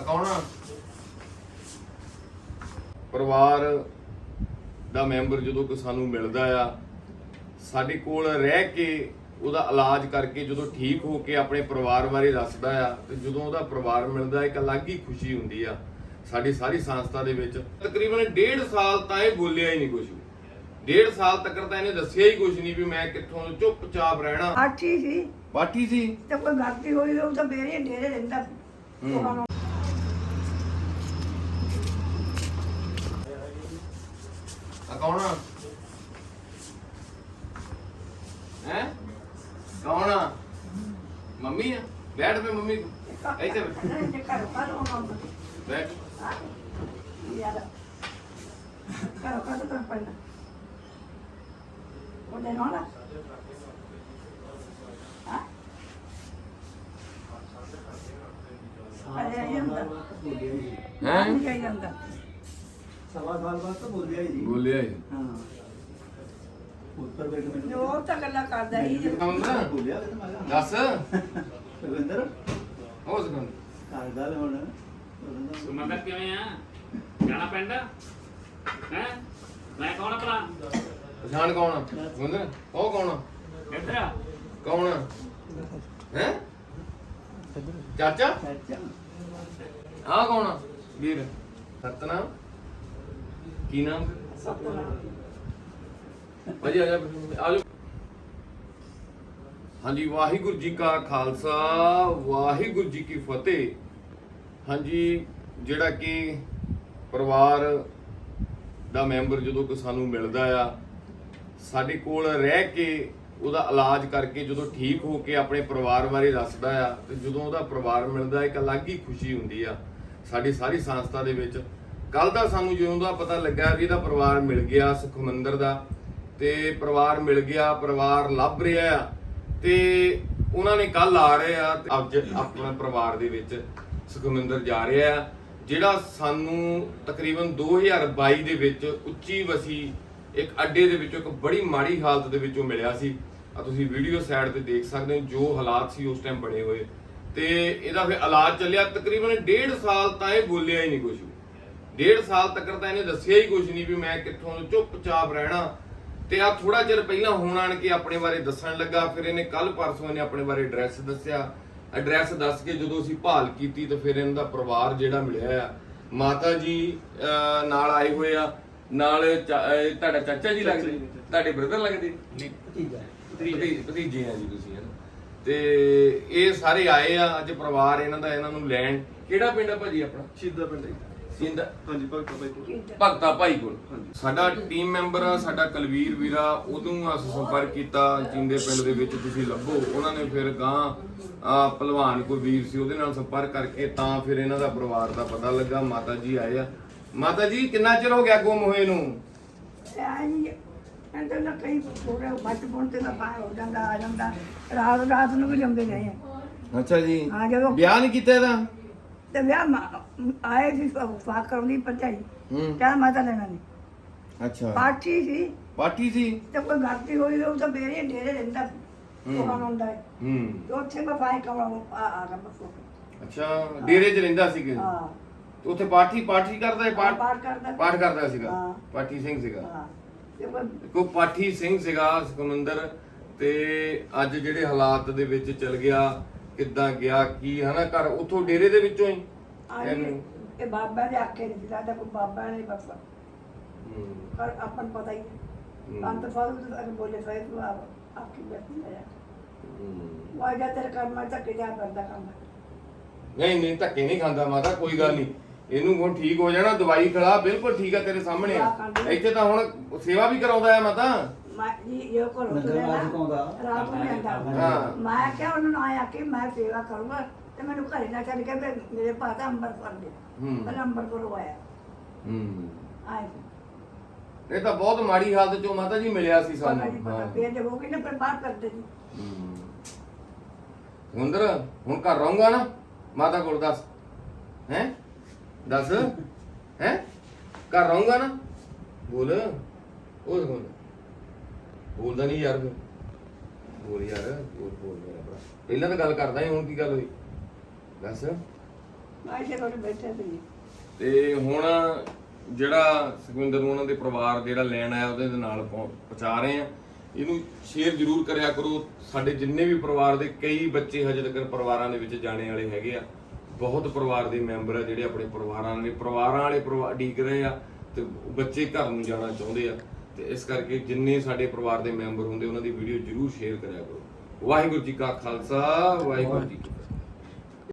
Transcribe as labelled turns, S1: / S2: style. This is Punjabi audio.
S1: ਕੌਣ ਆ? ਪਰਿਵਾਰ ਦਾ ਮੈਂਬਰ ਜਦੋਂ ਕਿ ਸਾਨੂੰ ਮਿਲਦਾ ਆ, ਸਾਡੇ ਕੋਲ ਰਹਿ ਕੇ ਉਹਦਾ ਇਲਾਜ ਕਰਕੇ ਜਦੋਂ ਠੀਕ ਹੋ ਕੇ ਆਪਣੇ ਪਰਿਵਾਰ ਬਾਰੇ ਦੱਸਦਾ ਆ, ਤੇ ਜਦੋਂ ਉਹਦਾ ਪਰਿਵਾਰ ਮਿਲਦਾ ਇੱਕ ਅਲੱਗ ਹੀ ਖੁਸ਼ੀ ਹੁੰਦੀ ਆ। ਸਾਡੀ ਸਾਰੀ ਸੰਸਥਾ ਦੇ ਵਿੱਚ ਤਕਰੀਬਨ 1.5 ਸਾਲ ਤਾਂ ਇਹ ਬੋਲਿਆ ਹੀ ਨਹੀਂ ਕੁਝ। 1.5 ਸਾਲ ਤੱਕ ਤਾਂ ਇਹਨੇ ਦੱਸਿਆ ਹੀ ਕੁਝ ਨਹੀਂ ਵੀ ਮੈਂ ਕਿੱਥੋਂ, ਚੁੱਪਚਾਪ ਰਹਿਣਾ। ਪਾਠੀ ਸੀ
S2: ਤੇ ਕੋਈ ਗਲਤੀ ਹੋਈ ਉਹ ਤਾਂ ਮੇਰੇ ਡੇਰੇ ਰਹਿੰਦਾ ਸੀ।
S1: ਕੌਣ ਆ? ਹੈ ਕੌਣ ਆ? ਮੰਮੀ ਆ? ਬੈਠ ਪੇ ਮੰਮੀ ਇੱਥੇ ਬੈਠ।
S3: ਸਵਾ ਸਾਲ ਬਾਅਦ ਤਾਂ ਬੋਲਿਆ ਹੀ ਨਹੀਂ।
S1: ਬੋਲਿਆ ਹੀ
S3: ਹਾਂ ਉੱਤਰ ਬੈਠ ਮੈਨੂੰ
S2: ਜੋ ਤਾਂ ਗੱਲਾਂ ਕਰਦਾ ਹੀ
S3: ਬੋਲਿਆ
S1: ਦੱਸ
S3: ਰਵਿੰਦਰ
S1: ਹੋ ਸਕਦਾ
S3: ਕਰ ਗੱਲ ਹੁਣ
S4: ਸੁਮੰਦਰ ਕਿਵੇਂ ਆ? ਜਾਣਾ ਪਿੰਡ ਹੈ? ਮੈਂ ਕੌਣ ਆ ਭਲਾ?
S1: ਪਛਾਣ ਕੌਣ ਆ? ਸੁੰਦਰ ਉਹ ਕੌਣ ਆ?
S4: ਇੱਧਰ ਆ।
S1: ਕੌਣ ਆ? ਹੈ ਚਾਚਾ?
S3: ਚਾਚਾ
S1: ਆ ਕੌਣ ਆ? ਵੀਰ ਸਤਨਾਮ ਕੀ ਨਾਮ? ਭਾਜੀ ਆ ਜਾ ਆ ਜਾਓ। ਹਾਂਜੀ, ਵਾਹਿਗੁਰੂ ਜੀ ਕਾ ਖਾਲਸਾ ਵਾਹਿਗੁਰੂ ਜੀ ਕੀ ਫਤਿਹ। ਹਾਂਜੀ, ਜਿਹੜਾ ਕਿ ਪਰਿਵਾਰ ਦਾ ਮੈਂਬਰ ਜਦੋਂ ਕਿ ਸਾਨੂੰ ਮਿਲਦਾ ਆ, ਸਾਡੇ ਕੋਲ ਰਹਿ ਕੇ ਉਹਦਾ ਇਲਾਜ ਕਰਕੇ ਜਦੋਂ ਠੀਕ ਹੋ ਕੇ ਆਪਣੇ ਪਰਿਵਾਰ ਬਾਰੇ ਦੱਸਦਾ ਆ, ਤੇ ਜਦੋਂ ਉਹਦਾ ਪਰਿਵਾਰ ਮਿਲਦਾ ਇੱਕ ਅਲੱਗ ਹੀ ਖੁਸ਼ੀ ਹੁੰਦੀ ਆ। ਸਾਡੀ ਸਾਰੀ ਸੰਸਥਾ ਦੇ ਵਿੱਚ ਕੱਲ ਦਾ ਸਾਨੂੰ ਜਦੋਂ ਦਾ ਪਤਾ ਲੱਗਾ ਵੀ ਇਹਦਾ ਪਰਿਵਾਰ ਮਿਲ ਗਿਆ, ਸੁਖਮੰਦਰ ਦਾ, ਤੇ ਪਰਿਵਾਰ ਮਿਲ ਗਿਆ, ਪਰਿਵਾਰ ਲੱਭ ਰਿਹਾ ਆ, ਤੇ ਉਹਨਾਂ ਨੇ ਕੱਲ ਆ ਰਹੇ ਆ ਤੇ ਅੱਜ ਆਪਣੇ ਪਰਿਵਾਰ ਦੇ ਵਿੱਚ ਸੁਖਮੰਦਰ ਜਾ ਰਿਹਾ ਆ, ਜਿਹੜਾ ਸਾਨੂੰ ਤਕਰੀਬਨ 2022 ਦੇ ਵਿੱਚ ਉੱਚੀ ਵਸੀ ਇੱਕ ਅੱਡੇ ਦੇ ਵਿੱਚੋਂ ਇੱਕ ਬੜੀ ਮਾੜੀ ਹਾਲਤ ਦੇ ਵਿੱਚੋਂ ਮਿਲਿਆ ਸੀ। ਆ ਤੁਸੀਂ ਵੀਡੀਓ ਸਾਈਡ ਤੇ ਦੇਖ ਸਕਦੇ ਹੋ ਜੋ ਹਾਲਾਤ ਸੀ ਉਸ ਟਾਈਮ ਬਣੇ ਹੋਏ, ਤੇ ਇਹਦਾ ਫਿਰ ਇਲਾਜ ਚੱਲਿਆ ਤਕਰੀਬਨ 1.5 ਸਾਲ ਤਾਂ ਇਹ ਬੋਲਿਆ ਹੀ ਨਹੀਂ ਕੁਝ। 1.5 ਸਾਲ ਤੱਕ ਤਾਂ ਇਹਨੇ ਦੱਸਿਆ ਹੀ ਕੁਝ ਨਹੀਂ ਵੀ ਮੈਂ ਕਿੱਥੋਂ, ਚੁੱਪਚਾਪ ਰਹਿਣਾ। ਤੇ ਆ ਥੋੜਾ ਚਿਰ ਪਹਿਲਾਂ ਹੁਣ ਆਣ ਕੇ ਆਪਣੇ ਬਾਰੇ ਦੱਸਣ ਲੱਗਾ। ਫਿਰ ਇਹਨੇ ਕੱਲ ਪਰਸੋਂ ਇਹਨੇ ਆਪਣੇ ਬਾਰੇ ਐਡਰੈਸ ਦੱਸਿਆ। ਐਡਰੈਸ ਦੱਸ ਕੇ ਜਦੋਂ ਅਸੀਂ ਭਾਲ ਕੀਤੀ ਤਾਂ ਫਿਰ ਇਹਨਾਂ ਦਾ ਪਰਿਵਾਰ ਜਿਹੜਾ ਮਿਲਿਆ ਆ, ਮਾਤਾ ਜੀ ਨਾਲ ਆਏ ਹੋਏ ਆ, ਨਾਲ ਤੁਹਾਡਾ ਚਾਚਾ ਜੀ ਲੱਗਦੇ, ਤੁਹਾਡੇ ਬ੍ਰਦਰ ਲੱਗਦੇ, ਭਤੀਜੇ ਆ ਜੀ ਤੁਸੀਂ, ਹਨਾ। ਤੇ ਇਹ ਸਾਰੇ ਆਏ ਆ ਅੱਜ ਪਰਿਵਾਰ ਇਹਨਾਂ ਦਾ, ਇਹਨਾਂ ਨੂੰ ਲੈਣ। ਕਿਹੜਾ ਪਿੰਡ ਆ ਭਾਜੀ ਆਪਣਾ?
S5: ਸ਼ੀਦਾ ਪਿੰਡ ਹੈ।
S1: ਸਿੰਦਾ?
S5: ਹਾਂਜੀ, ਭਗਤਾ ਭਾਈ ਕੋਲ।
S1: ਭਗਤਾ ਭਾਈ ਕੋਲ। ਸਾਡਾ ਟੀਮ ਮੈਂਬਰ ਆ, ਸਾਡਾ ਕੁਲਵੀਰ ਵੀਰਾ, ਉਦੋਂ ਅਸੀਂ ਸੰਪਰਕ ਕੀਤਾ ਚਿੰਦੇ ਪਿੰਡ ਦੇ ਵਿੱਚ, ਤੁਸੀਂ ਲੱਭੋ। ਉਹਨਾਂ ਨੇ ਫਿਰ ਗਾਂ ਭਲਵਾਨ ਕੋਈ ਵੀਰ ਸੀ ਉਹਦੇ ਨਾਲ ਸੰਪਰਕ ਕਰਕੇ ਤਾਂ ਫਿਰ ਇਹਨਾਂ ਦਾ ਪਰਿਵਾਰ ਦਾ ਪਤਾ ਲੱਗਾ। ਮਾਤਾ ਜੀ ਆਏ ਆ। ਮਾਤਾ ਜੀ ਕਿੰਨਾ ਚਿਰ ਹੋ ਗਿਆ ਗੁੰਮ ਹੋਏ ਨੂੰ?
S2: ਕਹਿੰਦੇ ਨਾ ਕਈ ਪੂਰੇ ਬਚਪਨ ਤੇ ਨਾ ਪਾਇਆ ਹੋ ਜਾਂਦਾ, ਆ ਜਾਂਦਾ, ਰਾਤ ਨੂੰ ਵੀ ਜਾਂਦੇ ਰਹੇ ਆ।
S1: ਅੱਛਾ ਜੀ।
S2: ਹਾਂ, ਜਦੋਂ
S1: ਵਿਆਹ ਨਹੀਂ ਕੀਤਾ ਇਹਦਾ?
S2: ਤੇ ਵਿਆਹ ਆਏ ਸੀ ਫਾਕ ਕਰਨੀ ਭਰਜਾਈ, ਕਹਿੰਦਾ ਮੈਂ ਤਾਂ ਲੈਣਾ ਨਹੀਂ।
S1: ਅੱਛਾ,
S2: ਪਾਠੀ ਸੀ
S1: ਪਾਠੀ ਸੀ
S2: ਤੇ ਕੋਈ ਗਲਤੀ ਹੋਈ ਉਹ ਤਾਂ ਮੇਰੇ ਡੇਰੇ ਰਹਿੰਦਾ ਸੀ। ਉਹ ਹੁੰਦਾ ਹੈ ਤੇ ਉੱਥੇ ਮੈਂ ਫਾਇ ਕਮਾ ਆ ਰਿਹਾ ਬਸ।
S1: ਅੱਛਾ, ਡੇਰੇ 'ਚ ਰਹਿੰਦਾ ਸੀ ਕਿ?
S2: ਹਾਂ,
S1: ਉੱਥੇ ਪਾਠੀ ਕਰਦਾ ਹੈ?
S2: ਪਾਠ ਕਰਦਾ।
S1: ਪਾਠ ਕਰਦਾ ਸੀਗਾ।
S2: ਹਾਂ।
S1: ਪਾਠੀ ਸਿੰਘ ਸੀਗਾ।
S2: ਹਾਂ, ਤੇ ਕੋਈ
S1: ਕੋ ਪਾਠੀ ਸਿੰਘ ਸੀਗਾ ਸੁਖਮੰਦਰ। ਤੇ ਅੱਜ ਜਿਹੜੇ ਹਾਲਾਤ ਦੇ ਵਿੱਚ ਚਲ ਗਿਆ, ਕਿੱਦਾਂ ਗਿਆ ਕੀ, ਹਨਾ, ਘਰ ਉੱਥੋਂ ਡੇਰੇ ਦੇ ਵਿੱਚੋਂ ਹੀ
S2: ਇਹ ਬਾਬਾ ਦੇ ਆਖੇ ਨਹੀਂ ਲੱਗਦਾ, ਕੋਈ ਬਾਬਾ ਨਹੀਂ ਬਸ। ਪਰ ਆਪਾਂ ਨੂੰ ਪਤਾ ਹੀ ਹੈ ਅੰਤ ਫਾਲੂ ਅਗਰ ਬੋਲੇ ਫਾਇਦ ਤੂੰ ਆਪਕੀ ਬੈਠੀ ਹੈ ਵਾਜਾ ਤੇਰੇ ਕੰਮ ਮੈਂ ਧੱਕੇ ਜਾ ਕਰਦਾ ਕੰਮ।
S1: ਨਹੀਂ ਧੱਕੇ ਨਹੀਂ ਖਾਂਦਾ ਮਾਤਾ, ਕੋਈ ਗੱਲ ਨਹੀਂ। ਇਹਨੂੰ ਹੁਣ ਠੀਕ ਹੋ ਜਾਣਾ, ਦਵਾਈ ਖਿਲਾ, ਬਿਲਕੁਲ ਠੀਕ ਆ, ਤੇਰੇ ਸਾਹਮਣੇ ਆ। ਇੱਥੇ ਤਾਂ ਹੁਣ ਸੇਵਾ ਵੀ ਕਰਾਉਂਦਾ ਆ ਮਾਤਾ।
S2: ਮੈਂ ਜੀ ਇਹ ਕੋਲ ਰਾਤ ਨੂੰ ਆਂਦਾ।
S1: ਹਾਂ।
S2: ਮੈਂ ਕਿਹਾ ਉਹਨੂੰ ਨਾ ਆਇਆ ਕਿ ਮੈਂ ਸੇਵਾ ਕਰੂੰਗਾ ਤੇ ਮੈਨੂੰ ਘਰੇ ਨਾ ਛੱਡ ਕੇ ਮੇਰੇ ਪਾਤਾ ਅੰਬਰਸਰ ਦੇ। ਪਹਿਲਾਂ ਅੰਬਰਸਰ ਆਇਆ। ਆਏ
S1: ਇਹ ਤਾਂ ਬਹੁਤ ਮਾੜੀ ਹਾਲਤ ਚੋਂ ਮਾਤਾ ਜੀ ਮਿਲਿਆ ਸੀ ਸਾਨੂੰ।
S2: ਫੇਰ ਜੇ ਉਹ ਕਿੰਨੇ ਪਰ ਬਾਹਰ ਕਰਦੇ ਸੀ।
S1: ਸੁੰਦਰ ਹੁਣ ਘਰ ਰਹੂੰਗਾ ਨਾ ਮਾਤਾ ਕੋਲ? ਦੱਸ ਹੈ, ਦੱਸ ਹੈ, ਘਰ ਰਹੂੰਗਾ ਨਾ? ਬੋਲ, ਉਹ ਬੋਲ, ਬੋਲਦਾ ਨਹੀਂ ਯਾਰ। ਬੋਲ ਯਾਰ, ਬੋਲ ਮੇਰਾ ਭਰਾ। ਪਹਿਲਾਂ ਤਾਂ ਗੱਲ ਕਰਦਾ ਸੀ, ਹੁਣ ਕੀ ਗੱਲ ਹੋਈ? ਦੱਸ।
S2: ਮੈਂ ਇਸੇ ਕੋਲ ਬੈਠੇ ਸੀ
S1: ਤੇ ਹੁਣ ਜਿਹੜਾ ਸੁਖਵਿੰਦਰ ਨੂੰ ਉਹਨਾਂ ਦੇ ਪਰਿਵਾਰ ਜਿਹੜਾ ਲੈਣ ਆਇਆ ਉਹਦੇ ਨਾਲ ਪਹੁੰਚਾ ਰਹੇ ਆ। ਇਹਨੂੰ ਸ਼ੇਅਰ ਜ਼ਰੂਰ ਕਰਿਆ ਕਰੋ। ਸਾਡੇ ਜਿੰਨੇ ਵੀ ਪਰਿਵਾਰ ਦੇ ਕਈ ਬੱਚੇ ਹਜੇ ਤੱਕ ਪਰਿਵਾਰਾਂ ਦੇ ਵਿੱਚ ਜਾਣੇ ਵਾਲੇ ਹੈਗੇ ਆ। ਬਹੁਤ ਪਰਿਵਾਰ ਦੇ ਮੈਂਬਰ ਆ ਜਿਹੜੇ ਆਪਣੇ ਪਰਿਵਾਰਾਂ ਵਾਲੇ ਉਡੀਕ ਰਹੇ ਆ ਤੇ ਬੱਚੇ ਘਰ ਨੂੰ ਜਾਣਾ ਚਾਹੁੰਦੇ ਆ। ਤੇ ਇਸ ਕਰਕੇ ਜਿੰਨੇ ਸਾਡੇ ਪਰਿਵਾਰ ਦੇ ਮੈਂਬਰ ਹੁੰਦੇ ਉਹਨਾਂ ਦੀ ਵੀਡੀਓ ਜ਼ਰੂਰ ਸ਼ੇਅਰ ਕਰਿਆ ਕਰੋ। ਵਾਹਿਗੁਰੂ ਜੀ ਕਾ ਖਾਲਸਾ, ਵਾਹਿਗੁਰੂ ਜੀ ਕੀ ਫਤਿਹ।